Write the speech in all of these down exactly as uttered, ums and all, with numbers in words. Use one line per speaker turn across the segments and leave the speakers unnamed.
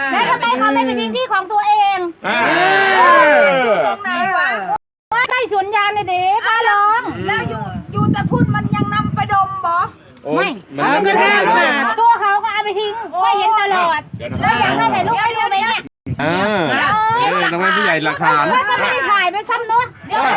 แล้วทำไมเขาไม่ไปทิ้งที่ของตัวเองอยู่ตรงไหนวะใกล้สวนยางเลยเด็กป้าลองแล้วอยู่อยู่แต่พุ่นมันยังนำไปดมบ่ไม่มันก็ได้มาตัวเขาก็เอาไปทิ้งไม่เห็นตลอดแล้วอยากให้ถ่ายรูปให้ดูไหมเนี่ย
อ่าเออทำไมผู้ใหญ่หลักฐาน
ก็ไม่ได้ถ่ายไปซ้ำเนาะเดี๋ยว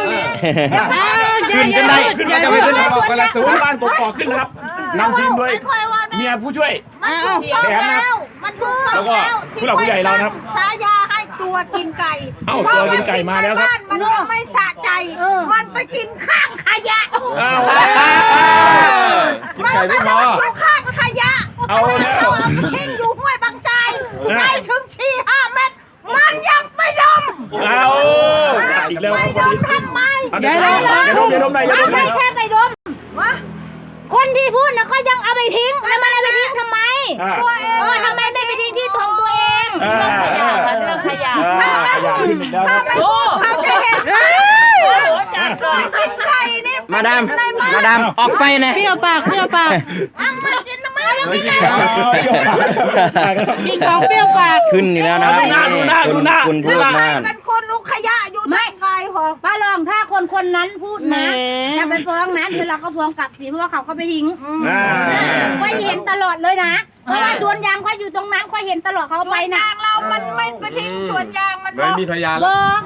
ขึ้นกันได้ขึ้นกันจะไปขึ้นบอกกันละศูนย์บ้านกกอกขึ้นนะครับนำทีมด้วยเมียผู้ช่วยแถมนะแล้วก็ผู้หลักผู้ใหญ่เราครับ
ฉายาให้ตัวกินไก่
เอ้าตัวกินไก่มาแล้วครับ
มันยังไม่สะใจมันไปกินข้างขยะ
กินไก่ไม่พอ
อยู่ข้างขยะเอาแล้วทิ้งอยู่ห้วยบางใจไปถึงชี้ห้าเมตรมันยังไม่ดม
เอาอีกแล้ว
ไม่ดมทำไม
อย่าดมอย่าดมอย่าดมไหนอย่าดม
ไม่ใช่แค่ไปดมวะคนที่พูดนะก็ยังเอาไปทิ้งแล้วมันเอาไปทิ้งทำไมตัวเองทำไมไม่ไปทิ้งที่ของตัวเอง
เรื่องขยะค่ะเรื่องขยะ
ถ้าไม่พูดถ้าไม่พูดเขาจะเห็นกินไก่นี่
มาดามมาดามออกไปนะ
เปรี้ยวปากเปรี้ยวปาก
อังมันกินทำไมแล้วกินไก่
กินของเปรี้ยวปาก
ขึ้นนี่แล้วนะคุณคุณพูดนะ
เป็นคนลูกขยะอยู่ไม่ไงหรอป้าลองถ้าคนคนนั้นพูดนะจะไปฟ้องนะเดี๋ยวเราก็ฟ้องกลับสิเพราะว่าเขาก็ไปทิ้งค่อยเห็นตลอดเลยนะเพราะว่าสวนยางค่อยอยู่ตรงนั้นค่อยเห็นตลอดเขาไปนะเรามันไม่ไปทิ้งสวนยางมัน
ไม่มีพยาน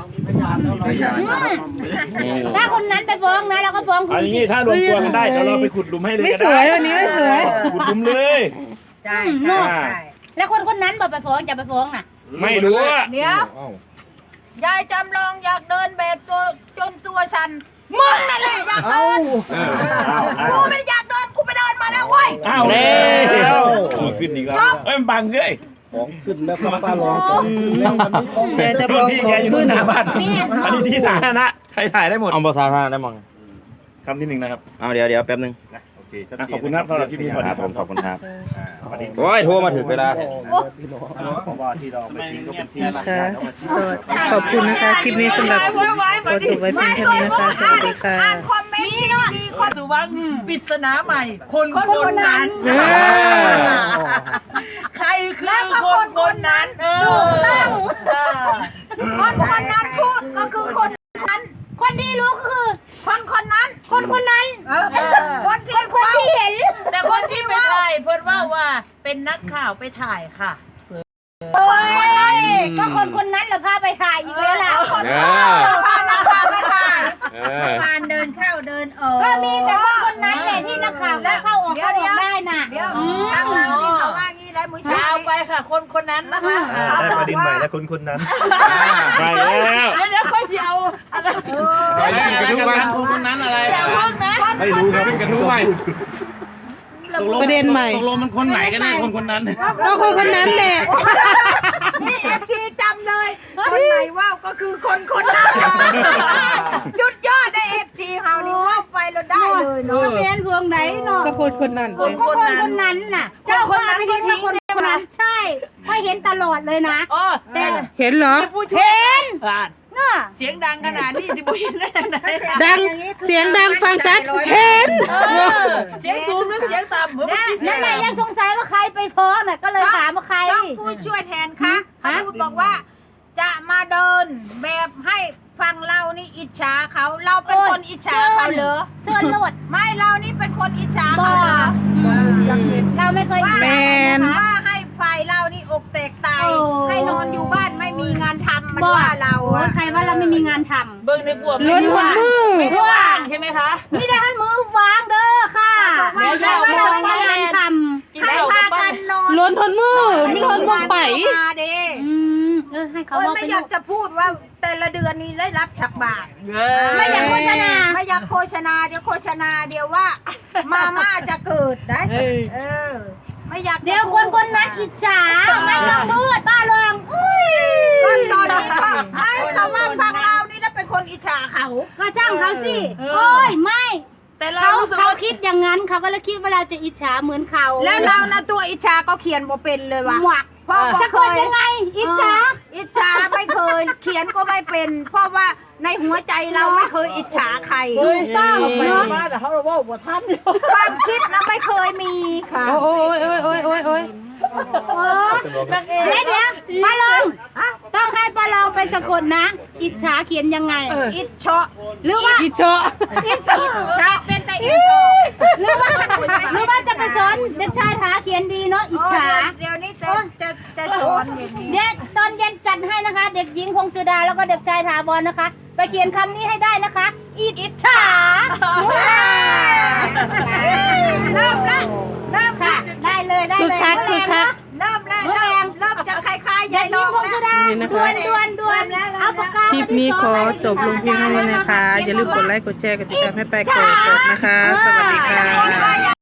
ถ้าคนนั้นไปฟ้องนะเราก็ฟ้องคุณ
สิถ้ารวมตัวกันได้เดี๋ยวเราไปขุดหลุมให้เลย
ไม่สวยวันนี้ไม่สวย
ขุดหลุมเลย
ใช่แล้วคนคนนั้นบอกไปฟ้องจะไปฟ้องน่ะ
ไม่รู้
เดี๋ยวยายจำลองอยากเดินแบบตัวจนตัวฉันมึงนั่นแหละอยากเดินกูไม่อยากเดินกูไปเดินมาแล้วเว้ย
อ้าวแล้วขึ้นอีกแล้วเอ้ยมันบังเลย
ของขึ้นแล้วก็ป้าร้อง
เดี๋ยวจะบอก
ที่แกอยู่หน้าบ้านอันนี้ที่สาธารณะใครถ่ายได้หมด
เอาภาษาท่าได้มั้ง
คำที่หนึ่งนะครับ
เอาเดี๋ยวเดี๋ยวแป๊บนึง
โอเคขอบคุณครับสำหรับที่พี่
ครับผมขอบคุณครับโอ้ยโทรมาถึงเวลา
ขอบคุณนะคะคลิปนี้สำหรับขอจบไว้เพียงแค่นี้นะคะสวัสดีค่ะ
คอมเมนต์ที่ดีคน
สุวังปริศนาใหม่คนคนนั้นใครคือคนคนนั้นเออ
คนคนนั้นพูดก็คือคนนั้นคนที่รู้คือคนคนนั้นคนคนนั้นคนที่คนที่เห็น
แต่คนที่ไปถ่ายเพิ่นว่าว่าเป็นนักข่าวไปถ่ายค่ะ
คนนั้นก็คนคนนั้นเราพาไปถ่ายอีกแล้วล่ะคนพานักข่าวไปถ่าย
การเดินเข้าเดินออก
ก็มีแต่คนคนนั้นแหละที่นักข่าวเข้าออกเข้าออกได้น่ะ
เดี๋ยวทางเราที่เขาว่างี้ได้มือเช้าไปค่ะคนคนนั้นนะคะ
ได้ประเด็นใหม่แล้วคนคนนั้น
ไปแล้ว
เดี๋ยวค่อยสิเอาอะไร
กระทู้กันคนคนนั้นอะไรไม่รู้ครับกระทู้ใหม่
ประเด็นใหม่
ตกลงมันคนไหนกันแน่คนคนนั้น
ก็คนคนนั้นแหละ
นี่เอฟซีจำเลยคนไหนว่าก็คือคนคนนั้นจุดยอดได้เอฟซีเฮานี่ว่าไปเราได้เลยเนาะจะเป็นพวงไหนเนาะ
ก็คนคนนั้น
คนคนคนนั้นน่ะเจ้าคนนั้นก็ทิ้งคนคนนั้นใช่ค่อยเห็นตลอดเลยนะ
แต่เห็นเหรอ
เห็น
เสียงดังขนาดนี้สิบุญได้ยังไงดังเสียงดังฟังชัดเห็นเสียงสูงหรือเสียงต่ำ
นั่นแหละยังสงสัยว่าใครไปฟ้องน่ะก็เลยถามว่าใครผู้ช่วยแทนคะเขาพูดบอกว่าจะมาเดินแบบให้ฟังเรานี่อิจฉาเขาเราเป็นคนอิจฉาเขาเหรอเสื้อลวดไม่เรานี่เป็นคนอิจฉาเขาเหรอเราไม่เคย
แมน
ว่าให้ฝ่ายเรานี่อกแตกตายให้นอนอยู่บ้านไม่มีงานทำมันว่าเราใครว่าเราไม่มีงานทำ
เบิ้งในบวมล้นหัวมือไม่ได้ว่างใช่ไหมคะ
ไม่ได้หันมือวางเด้อค่ะเดี๋ยวจะว่าเราไม่มีงานทำให้พากันนอน
ล้นทนมือไม่ทนมือไป
เออให้เขาไม่อยากจะพูดว่าแต่ละเดือนนี้ได้รับฉักบาทไม่อยากโฆษณาไม่อยากโฆษณาเดี๋ยวโฆษณาเดี๋ยวว่ามาม่าจะเกิดได้เออไม่อยากเดี๋ยวคนคนนั้นอิจฉาไม่ต้องพูดป้าลองอุ้ยก็ตอนนี้ก็ให้เขาว่าฟังเรานี่แล้วเป็นคนอิจฉาเขาก็จ้างเขาสิโอ้ยไม่แต่เราเขาคิดอย่างนั้นเขาก็เลยคิดว่าเราจะอิจฉาเหมือนเขาแล้วเรานะตัวอิจฉาก็เขียนบ่เป็นเลยว่ะเพราะจะคนยังไงอิจฉาอิจฉาไม่เคยเขียนก็ไม่เป็นเพราะว่าในหัวใจเราไม่เคยอิจฉาใครต้องเนาะแต่เขาเราว่าบ่ทันความคิดนะไม่เคยมีค่ะ
โอ้ยโอ้ยโอ้ยโอ้ยโอ้ย
โอ้เดี๋ยวเดี๋ยวปลาลองต้องให้ปลาลองไปสะกดนะ อิจฉาเขียนยังไง อิจฉาหรือว่าอิจฉาอิจฉาเป็นแต่อิจฉาหรือว่าหรือว่าจะไปสอนเด็กชายถาเขียนดีเนาะอิจฉาเดี๋ยวนี้จะจะจะสอนเดี๋ยวตอนเย็นจัดให้นะคะ เด็กหญิงพงสุดาแล้วก็เด็กชายถาวรนะคะ ไปเขียนคำนี้ให้ได้นะคะ อิจฉาเริ่มแล้วเริ่มค่ะได้เลยได้เลย
คือคักคือคัก
เริ่มแล้วเริ่มเริ่มจะคล้ายๆยายลองแล้ว
นี่นะ
ดว
คะ
นดวนดวนเอาปากกา
คลิปนี้ขอจบลงเพียงเท่านี้นะคะ อย่าลืมกดไลค์กดแชร์กดติดตามให้ไปกดกดนะคะ สวัสดีค่ะ